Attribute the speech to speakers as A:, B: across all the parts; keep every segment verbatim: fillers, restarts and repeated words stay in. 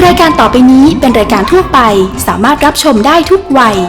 A: รายการต่อไปนี้เป็นรายการทั่วไปสามารถรับชมได้ทุกวัย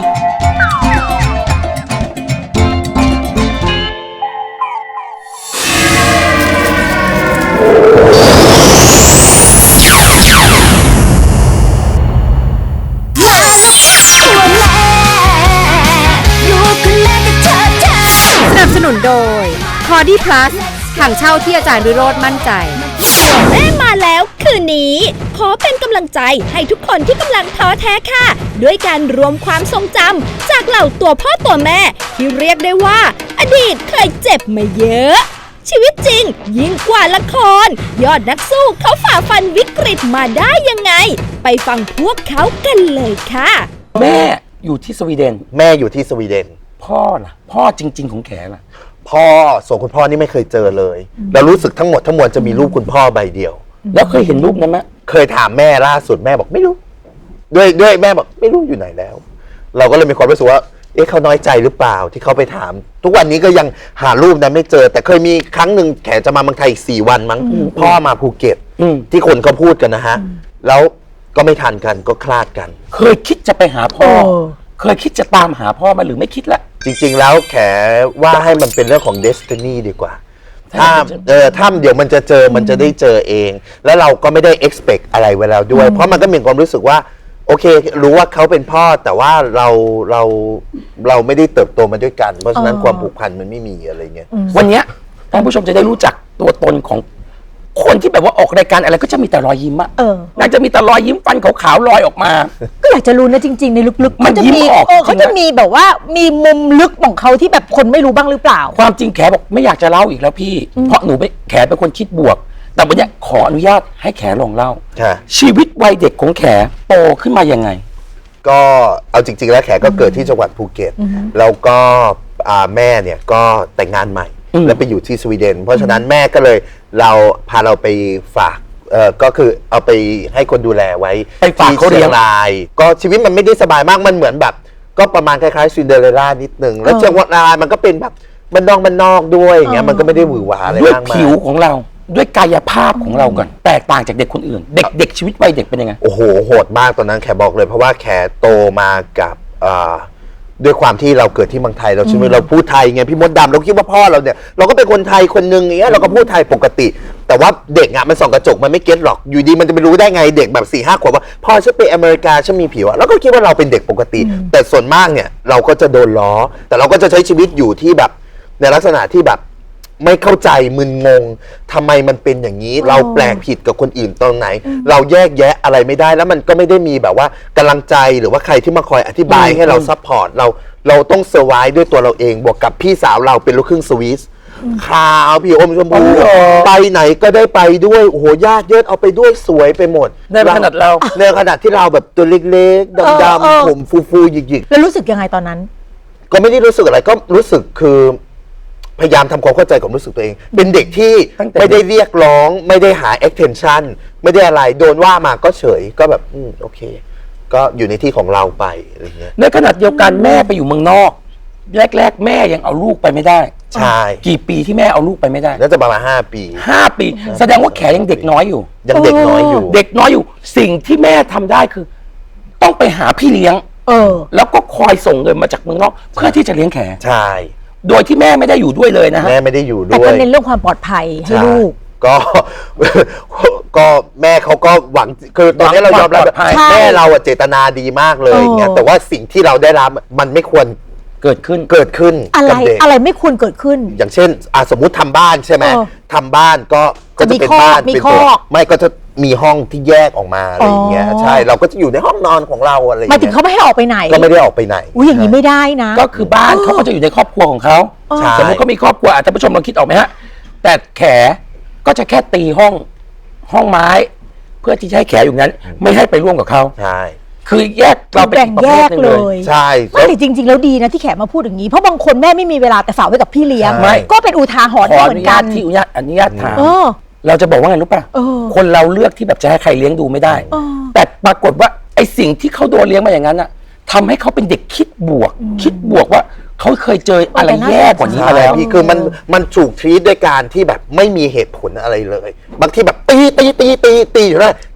B: สนับสนุนโดย คอร์ดี้ พลัส ถังเช่าที่อาจารย์วิโรจน์มั่นใจ
C: แม่มาแล้วคืนนี้ขอเป็นกำลังใจให้ทุกคนที่กำลังท้อแท้ค่ะด้วยการรวมความทรงจำจากเหล่าตัวพ่อตัวแม่ที่เรียกได้ว่าอดีตเคยเจ็บมาเยอะชีวิตจริงยิ่งกว่าละครยอดนักสู้เขาฝ่าฟันวิกฤตมาได้ยังไงไปฟังพวกเขากันเลยค่ะ
D: แม่อยู่ที่สวีเดน
E: แม่อยู่ที่สวีเดน
D: พ่อล่ะพ่อจริงๆของแขล่ะ
E: พ่อส่วนคุณพ่อนี่ไม่เคยเจอเลยเรารู้สึกทั้งหมดทั้งมวลจะมีรูปคุณพ่อใบเดียว
D: แล้วเคยเห็นรูปนั้นไหม
E: เคยถามแม่ล่าสุดแม่บอกไม่รู้ด้วยด้วยแม่บอกไม่รู้อยู่ไหนแล้วเราก็เลยมีความรู้สึกว่าเอ๊ะเขาน้อยใจหรือเปล่าที่เขาไปถามทุกวันนี้ก็ยังหารูปนั้นไม่เจอแต่เคยมีครั้งหนึ่งแขจะมาเมืองไทยอีกสี่วันมั้งพ่อมาภูเก็ตที่คนเขาพูดกันนะฮะแล้วก็ไม่ทันกันก็คลาดกัน
D: เคยคิดจะไปหาพ่อเคยคิดจะตามหาพ่อมาหรือไม่คิดละ
E: จริงๆแล้วแขว่าให้มันเป็นเรื่องของ Destiny ดีกว่าถ้าเออถ้าเดี๋ยวมันจะเจอมันจะได้เจอเองแล้วเราก็ไม่ได้ expect อะไรไว้แล้วด้วยเพราะมันก็มีความรู้สึกว่าโอเครู้ว่าเขาเป็นพ่อแต่ว่าเราเราเราไม่ได้เติบโตมาด้วยกันเพราะฉะนั้นความผูกพันมันไม่มีอะไรเงี้ย
D: วันนี้ท่านผู้ชมจะได้รู้จักตัวตนของคนที่แบบว่าออกรายการอะไรก็จะมีแต่รอยยิ้มอะนางจะมีแต่รอยยิ้มฟันขาวๆลอยออกมา
F: ก็อยากจะรู้นะจริงๆในลึกๆ
D: มันยิ้มออก
F: เขาจะมีแบบว่ามีมุมลึกของเขาที่แบบคนไม่รู้บ้างหรือเปล่า
D: ความจริงแขบอกไม่อยากจะเล่าอีกแล้วพี่เพราะหนูไปแขเป็นคนคิดบวกแต่วันนี้ขออนุญาตให้แขลองเล่าชีวิตวัยเด็กของแขโตขึ้นมายังไง
E: ก็เอาจริงๆแล้วแขก็เกิดที่จังหวัดภูเก็ตแล้วก็แม่เนี่ยก็แต่งงานใหม่แล้วไปอยู่ที่สวีเดนเพราะฉะนั้นแม่ก็เลยเราพาเราไปฝากเอ่อก็คือเอาไปให้คนดูแลไว้
D: ที่
E: เชียงรายก็ชีวิตมันไม่ได้สบายมากมันเหมือนแบบก็ประมาณคล้ายๆซินเดอเรลล่านิดนึงแล้วเชียงรายมันก็เป็นแบบมันนอกมันนอกด้วยอย่างเงี้ยมันก็ไม่ได้หวือหวาอะไรมากมาย
D: ด้วยผิวของเราด้วยกายภาพของเราก่อนแตกต่างจากเด็กคนอื่นเด็กเด็กชีวิตวัยเด็กเป็นยังไง
E: โอ้โหโหดมากตอนนั้นแขบอกเลยเพราะว่าแขโตมากับอ่าด้วยความที่เราเกิดที่เมืองไทยเราใช่ไหมเราพูดไทยไงพี่มดดำเราคิดว่าพ่อเราเนี่ยเราก็เป็นคนไทยคนนึงอย่างเงี้ยเราก็พูดไทยปกติแต่ว่าเด็กอ่ะมันส่องกระจกมันไม่เก็ตหรอกอยู่ดีมันจะไปรู้ได้ไงเด็กแบบสี่ห้าขวบว่าพ่อฉันไปอเมริกาฉันมีผิวอ่ะเราก็คิดว่าเราเป็นเด็กปกติแต่ส่วนมากเนี่ยเราก็จะโดนล้อแต่เราก็จะใช้ชีวิตอยู่ที่แบบในลักษณะที่แบบไม่เข้าใจมึนงงทำไมมันเป็นอย่างนี้เราแปลกผิดกับคนอื่นตรงไหนเราแยกแยะอะไรไม่ได้แล้วมันก็ไม่ได้มีแบบว่ากำลังใจหรือว่าใครที่มาคอยอธิบายให้เราซัพพอร์ตเราเราต้องเซอร์ไวส์ด้วยตัวเราเองบวกกับพี่สาวเราเป็นลูกครึ่งสวิสขาวพี่อมชมพูไปไหนก็ได้ไปด้วยโอ้โหญาติเยอะเอาไปด้วยสวยไปหมด
D: ในขนาดเรา
E: ในขนาดที่เราแบบตัวเล็กๆดำๆผมฟูๆหยิก
F: ๆแล้วรู้สึกยังไงตอนนั้น
E: ก็ไม่ได้รู้สึกอะไรก็รู้สึกคือพยายามทำความเข้าใจกับรู้สึกตัวเองเป็นเด็กที่ไม่ได้เรียกร้องไม่ได้หา attention ไม่ได้อะไรโดนว่ามาก็เฉยก็แบบอืมโอเคก็อยู่ในที่ของเราไปอะไรเงี้ย
D: ในขณะเดียวกันแม่ไปอยู่เมืองนอกแรกๆแม่ยังเอาลูกไปไม่ได้
E: ใช่
D: กี่ปีที่แม่เอาลูกไปไม่ได้
E: น่าจะประมาณห้าปี
D: ห้าปีแสดงว่าแขยังเด็กน้อยอยู่
E: ยังเด็กน้อยอยู่
D: เด็กน้อยอยู่สิ่งที่แม่ทำได้คือต้องไปหาพี่เลี้ยงเออแล้วก็คอยส่งเงินมาจากเมืองนอกเพื่อที่จะเลี้ยงแข
E: ใช่
D: โดยที่แม่ไม่ได้อยู่ด้วยเลยนะฮะ
E: แม่ไม่ได้อยู่ด้วยแต่
F: ก็เน้นเรื่องความปลอดภัยให้ลูก
E: ก็ก็แม่เขาก็หวังคือตอนนี้เรายอมรับแม่เราเจตนาดีมากเลยเงี้ยแต่ว่าสิ่งที่เราได้รับมันไม่ควร
D: เกิดขึ้น
E: เกิดขึ้น
F: อะไรอะไรไม่ควรเกิดขึ้น
E: อย่างเช่นสมมุติทำบ้านใช่ไหมทำบ้านก็
F: ก็จะเป็นบ้านเป็นตัว
E: ไม่ก็จะมีห้องที่แยกออกมาอะไรอย่างเงี้ยใช่เราก็จะอยู่ในห้องนอนของเราอะไร
F: หมายถึงเขาไม่ให้ออกไปไหน
E: ก็ไม่ได้ออกไปไหน
F: อุ้ยอย่างนี้ไม่ได้นะ
D: ก็คือบ้านเขาก็จะอยู่ในครอบครัวของเขาสมมติเขามีครอบครัวท่านผู้ชมลองคิดออกไหมฮะแต่แขก็จะแค่ตีห้องห้องไม้เพื่อที่จะให้แขอยู่นั้นไม่ให้ไปร่วมกับเขา
E: ใช่
D: คือแยกเรา
F: แบ่งแยกเลย
E: ใช่
F: ไม่แต่จริงๆแล้วดีนะที่แขมาพูดอย่างนี้เพราะบางคนแม่ไม่มีเวลาแต่ฝากไว้กับพี่เลี้ยงก็เป็นอุทาหรณ์เหมือนกัน
D: ที่อนุญาตอนุญาตถามเราจะบอกว่าไงรู้ป่ะคนเราเลือกที่แบบจะให้ใครเลี้ยงดูไม่ได้แต่ปรากฏว่าไอ้สิ่งที่เขาโดนเลี้ยงมาอย่างนั้นอะทำให้เขาเป็นเด็กคิดบวกคิดบวกว่าเขาเคยเจออะไรแย่กว่านี้มาแล้ว
E: พี่คือมันมันถูกทรีตด้วยการที่แบบไม่มีเหตุผลอะไรเลยบางทีแบบตีตีตีตีตีอยู่นะ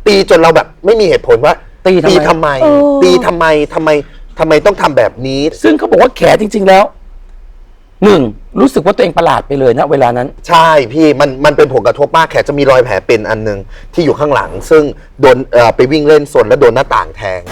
E: ตีจนเราแบบไม่มีเหตุผลว่า
D: ตีทำไม
E: ตีทำไมตีทำไมทำไมทำไมต้องทำแบบนี้
D: ซึ่งเขาบอกว่าแขจริง ๆแล้วหนึ่งรู้สึกว่าตัวเองประหลาดไปเลยนะเวลานั้น
E: ใช่พี่มันมันเป็นผลกระทบมากแขจะมีรอยแผลเป็นอันหนึงที่อยู่ข้างหลัง ซึ่งโดนเอ่อไปวิ่งเล่นสนแล้วโดนหน้าต่างแทง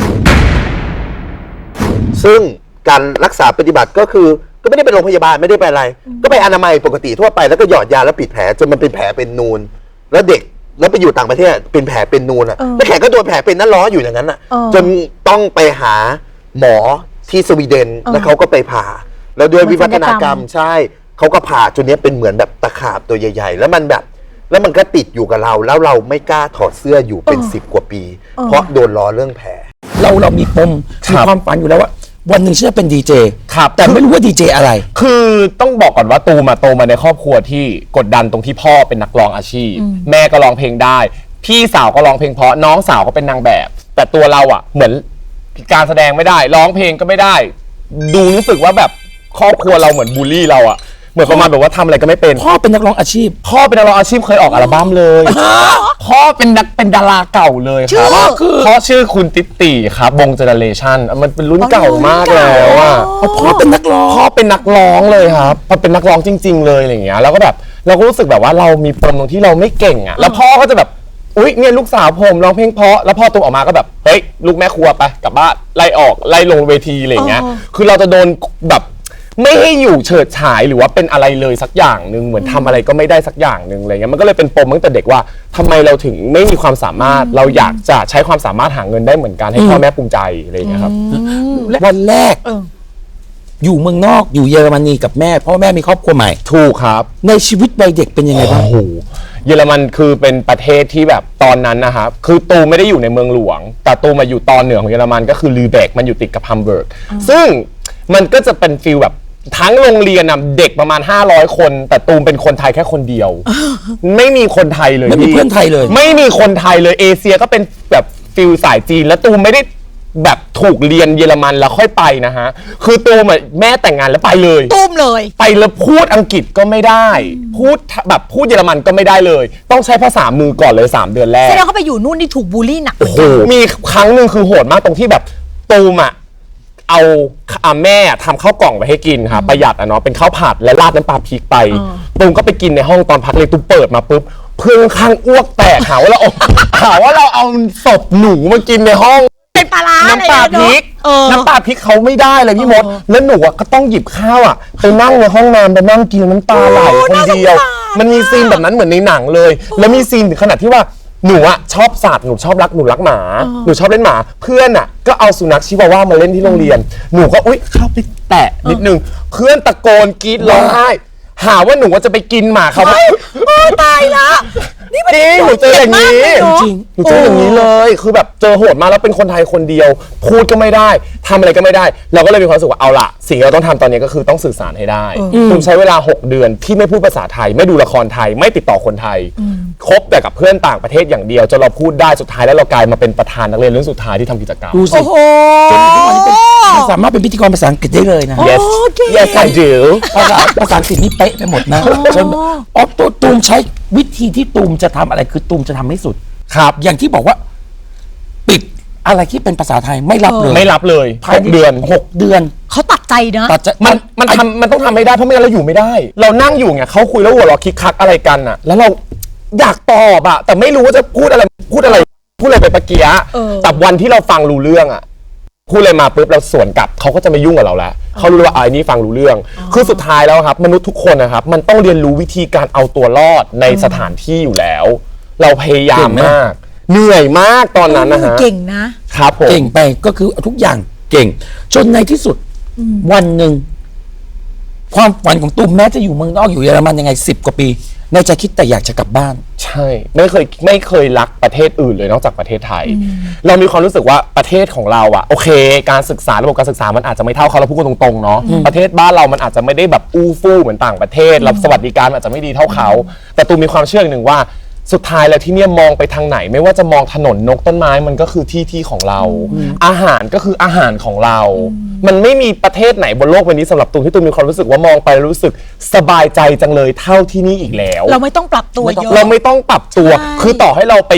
E: ซึ่งการรักษาปฏิบัติก็คือก็ไม่ได้ไปโรงพยาบาลไม่ได้ไปอะไร ก็ไปอนามัยปกติทั่วไปแล้วก็หยอดยาแล้วปิดแผลจนมันเป็นแผลเป็นนูน แล้วเด็กแล้วไปอยู่ต่างประเทศเป็นแผลเป็นนูนอ่ะแล้วแขก็โดนแผลเป็นนั่นล้ออยู่อย่างนั้นอ่ะจนต้องไปหาหมอที่สวีเดนแล้วเขาก็ไปผ่าแล้วด้วยวิวัฒนากรรมใช่เขาก็ผ่าจนนี้เป็นเหมือนแบบตะขาบตัวใหญ่ๆแล้วมันแบบแล้วมันก็ติดอยู่กับเราแล้วเราไม่กล้าถอดเสื้ออยู่เป็นสิบกว่าปี เพราะโดนล้อเรื่องแผล
D: เราเรามีปมมีความฝันอยู่แล้วว่าวันหนึ่งฉันจะเป็นดีเจครับแต่ไม่รู้ว่าดีเจอะไร
G: คือต้องบอกก่อนว่าตูมาโตมาในครอบครัวที่กดดันตรงที่พ่อเป็นนักร้องอาชีพแม่ก็ร้องเพลงได้พี่สาวก็ร้องเพลงเพราะน้องสาวก็เป็นนางแบบแต่ตัวเราอ่ะเหมือนการแสดงไม่ได้ร้องเพลงก็ไม่ได้ดูรู้สึกว่าแบบครอบครัวเราเหมือนบูลลี่เราอ่ะเหมือนประมาณแบบว่าทำอะไรก็ไม่เป็น
D: พ่อเป็นนักร้องอาชีพ
G: พ่อเป็นนักร้องอาชีพเคยออกอัลบั้มเลยพ่อเป็นนักเป็นดาราเก่าเลยครับพ่อชื่อคุณติ๊ตีครับวงเจเนเรชั่นมันเป็นรุ่นเก่ามากแล้วอ่ะ
D: พ่อเป็นนักร้อง
G: พ่อเป็นนักร้องเลยครับพอเป็นนักร้องจริงๆเลยอะไรอย่างเงี้ยแล้วก็แบบเราก็รู้สึกแบบว่าเรามีปมตรงที่เราไม่เก่งอ่ะแล้วพ่อก็จะแบบอุ๊ยเนี่ยลูกสาวผมร้องเพลงเพราะแล้วพอตัวออกมาก็แบบเฮ้ยลูกแม่ครัวไปกลับบ้านไล่ออกไล่ลงเวทีอะไรอย่างเงี้ยคือเราจะโดนแบบไม่ให้อยู่เฉิดฉายหรือว่าเป็นอะไรเลยสักอย่างหนึ่งเหมือนทำอะไรก็ไม่ได้สักอย่างหนึ่งอะไรเงี้ยมันก็เลยเป็นปมตั้งแต่เด็กว่าทำไมเราถึงไม่มีความสามารถเราอยากจะใช้ความสามารถหาเงินได้เหมือนกันให้พ่อแม่ภูมิใจอะไรอย่างเงี้ยครับ
D: วันแรกอยู่เมืองนอกอยู่เยอรมนีกับแม่พ่อแม่มีครอบครัวใหม่
G: ถูกครับ
D: ในชีวิตวัยเด็กเป็นยังไงบ้าง
G: โอ้โหเยอรมันคือเป็นประเทศที่แบบตอนนั้นนะครับคือตูไม่ได้อยู่ในเมืองหลวงแต่ตูมาอยู่ตอนเหนือของเยอรมันก็คือลีเบกมันอยู่ติดกับฮัมเบิร์กซึ่งมันก็จะเป็นฟีลแบบทั้งโรงเรียนนะเด็กประมาณห้าร้อยคนแต่ตูมเป็นคนไทยแค่คนเดียวไม่มีคนไทยเลย
D: ไม่มีเพื่อนไทยเลย
G: ไม่มีคนไทยเลยเอเชียก็เป็นแบบฟิลสายจีนแล้วตูมไม่ได้แบบถูกเรียนเยอรมันแล้วค่อยไปนะฮะคือตูมแม่แต่งงานแล้วไปเลย
F: ตูมเลย
G: ไปแล้วพูดอังกฤษก็ไม่ได้พูดแบบพูดเยอรมันก็ไม่ได้เลยต้องใช้ภาษามือก่อนเลยสามเดือนแรก
F: แสดงเขาไปอยู่นู่นนี่ถูกบูลลี่หนัก
G: โอ้โหมีครั้งหนึ่งคือโหดมากตรงที่แบบตูมอะเอาแม่ทำข้าวกล่องไปให้กินค่ะประหยัดอ่ะเนาะเป็นข้าวผัดและราดน้ำปลาพริกไปตูมก็ไปกินในห้องตอนพักเลยตูมเปิดมาปุ๊บเพื่อนข้างอ้วกแตกหาว่าเราหาว่าเราเอาศพหนูมากินในห้อง
F: เป็นปลาร้า
G: น้ำปลาพริกน้ำปลาพริกเขาไม่ได้เลยพี่มดแล้วหนูก็ต้องหยิบข้าวอ่ะไปนั่งในห้องน้ำไปนั่งกินน้ำตาไหลคนเดียวมันมีซีนแบบนั้นเหมือนในหนังเลยแล้วมีซีนถึงขนาดที่ว่าหนูอะชอบสัตว์หนูชอบรักหนูรักหมาหนูชอบเล่นหมาเพื่อนอะก็เอาสุนัขชิวาว่ามาเล่นที่โรงเรียนหนูก็อุ๊ยเข้าไปแตะนิดนึงเพื่อนตะโกนกรีดร้องไห้หาว่าหนูว่าจะไปกินหมาเขา
F: ตายละ
G: นี่มันจริงหนูเจออย่างนี้จริงหนูเจออย่างนี้เลยคือแบบเจอโหดมาแล้วเป็นคนไทยคนเดียวพูดก็ไม่ได้ทำอะไรก็ไม่ได้เราก็เลยมีความรู้สึกว่าเอาละสิ่งที่เราต้องทำตอนนี้ก็คือต้องสื่อสารให้ได้ผมใช้เวลาหกเดือนที่ไม่พูดภาษาไทยไม่ดูละครไทยไม่ติดต่อคนไทยคบแต่กับเพื่อนต่างประเทศอย่างเดียวจนเราพูดได้สุดท้ายแล้วเรากลายมาเป็นประธานนักเรียนรุ่นสุดท้ายที่ทำกิจกรรม
D: ดูสิจนทุกวันนี้เป็นสามารถเป็นพิธีกรภาษาอังกฤษได้เลยนะ
G: yes yes I do
D: ภาษาภาษาอังกฤษนี่เป๊ะไปหมดนะจนอ๋อตัวตูมใช้วิธีที่ตูมจะทำอะไรคือตูมจะทำให้สุดครับอย่างที่บอกว่าปิดอะไรที่เป็นภาษาไทยไม่รับเลย
G: ไม่รับเลยหกเดือน
D: หกเดือน
F: เขาตัดใจนะ
D: ตัดใจ
G: มันมันทำมันต้องทำไม่ได้เพราะไม่งั้นเราอยู่ไม่ได้เรานั่งอยู่ไงเขาคุยแล้วหัวเราะคิกคักอะไรกันอ่ะแล้วเราอยากตอบอะแต่ไม่รู้ว่าจะพูดอะไรพูดอะไรพูดอะไรไปปะเกียะแต่วันที่เราฟังรู้เรื่องอะพูดอะไรมาปุ๊บเราสวนกลับเขาก็จะไม่ยุ่งกับเราแล้วเขารู้ว่าไอ้นี่ฟังรู้เรื่องคือสุดท้ายแล้วครับมนุษย์ทุกคนนะครับมันต้องเรียนรู้วิธีการเอาตัวรอดในสถานที่อยู่แล้วเราพยายามมากเหนื่อยมากตอนนั้นนะฮะ
F: เก่งนะครับ
D: ผมเก่งไปก็คือทุกอย่างเก่งจนในที่สุดวันหนึ่งความฝันของตูมแม้จะอยู่เมืองนอกอยู่เยอรมันยังไงสิบกว่าปีในใจคิดแต่อยากจะกลับบ้าน
G: ใช่ไม่เคยไม่เคยรักประเทศอื่นเลยนอกจากประเทศไทยเรามีความรู้สึกว่าประเทศของเราอะโอเคการศึกษาระบบการศึกษามันอาจจะไม่เท่าเขาเราพูดกันตรงๆเนาะประเทศบ้านเรามันอาจจะไม่ได้แบบอู้ฟู่เหมือนต่างประเทศรับสวัสดิการอาจจะไม่ดีเท่าเขาแต่ตูมมีความเชื่อหนึ่งว่าสุดท้ายแล้วที่เนี่ยมองไปทางไหนไม่ว่าจะมองถนนนกต้นไม้มันก็คือที่ที่ของเราอาหารก็คืออาหารของเรามันไม่มีประเทศไหนบนโลกใบนี้สำหรับตูมที่ตูมมีความรู้สึกว่ามองไปรู้สึกสบายใจจังเลยเท่าที่นี่อีกแล้ว
F: เราไม่ต้องปรับตัวเยอะ
G: เราไม่ต้องปรับตัวคือต่อให้เราไปอยู่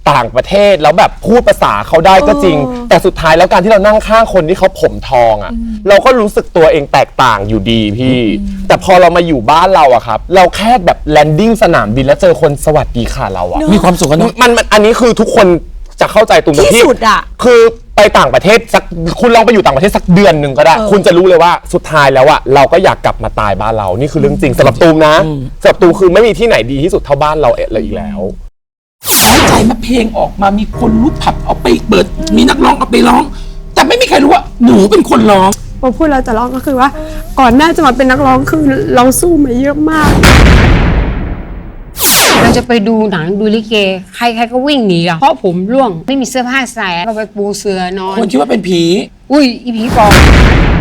G: ต่างประเทศแล้วแบบพูดภาษาเขาได้ก็จริง แต่สุดท้ายแล้วการที่เรานั่งข้างคนที่เขาผมทองอะ่ะเราก็รู้สึกตัวเองแตกต่างอยู่ดีพี่ แต่พอเรามาอยู่บ้านเราอะครับเราแค่แบบแลนดิ้งสนามบินแล้วเจอคนสวัสดีค่ะเราอะ
D: มีความสุขกันเนอะ
G: มันมันอันนี้คือทุกคนจะเข้าใจตรงนี้
F: ที่สุดอะ
G: คือไปต่างประเทศสักคุณลองไปอยู่ต่างประเทศสักเดือนหนึ่งก็ได้ คุณจะรู้เลยว่าสุดท้ายแล้วอะเราก็อยากกลับมาตายบ้านเรานี่คือเรื่องจริงสำหรับตูมนะสำหรับตูมคือไม่มีที่ไหนดีที่สุดเท่าบ้านเราเลยอีกแล้ว
D: น้อยใจมาเพลงออกมามีคนรู้ผับเอาไปเปิดมีนักร้องเอาไปร้อง แต่ไม่มีใครรู้ว่าหนูเป็นคนร้อง
H: พอพูดเราจะร้องก็คือว่าก่อนหน้าจะมาเป็นนักร้องคือเราสู้มาเยอะมาก
I: เราจะไปดูหนังดูลิเกใครๆก็วิ่งหนีอะเพราะผมร่วงไม่มีเสื้อผ้าใส่ก็ไปปูเสือนอน
D: คนคิดว่าเป็นผี
I: อุ้ยอีผีปอบ